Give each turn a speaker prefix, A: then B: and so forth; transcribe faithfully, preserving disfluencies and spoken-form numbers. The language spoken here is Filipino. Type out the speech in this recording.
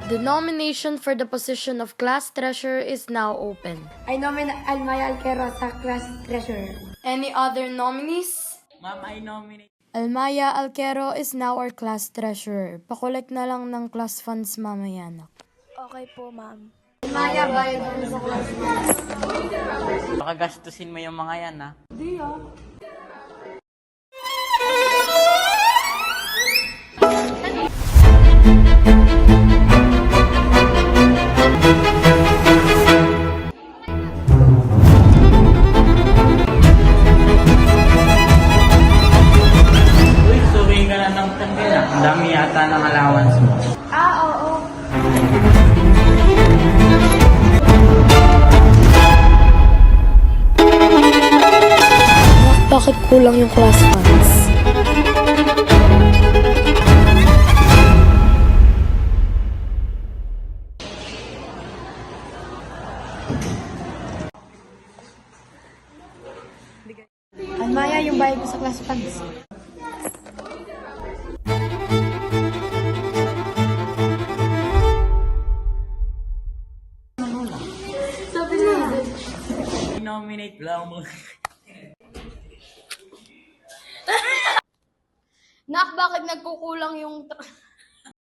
A: The nomination for the position of class treasurer is now open.
B: I nominate Almaya Alquero sa class treasurer.
A: Any other nominees?
C: Ma'am, I nominate.
A: Almaya Alquero is now our class treasurer. Pakolek na lang ng class funds mamaya, anak.
B: Okay po, ma'am.
A: Almaya, bayad mo sa class funds.
C: Baka gastusin mo yung mga yan, ha?
B: Di ah.
C: Uy, suwi ka na ng tanggal, ha? Ang dami yata ng allowance mo.
B: Ah, oo.
A: Bakit kulang yung class funds?
B: Almaya, yung bayad mo sa class funds. Sabi na.
C: I-nominate lang mo.
B: Nak, bakit nagkukulang yung...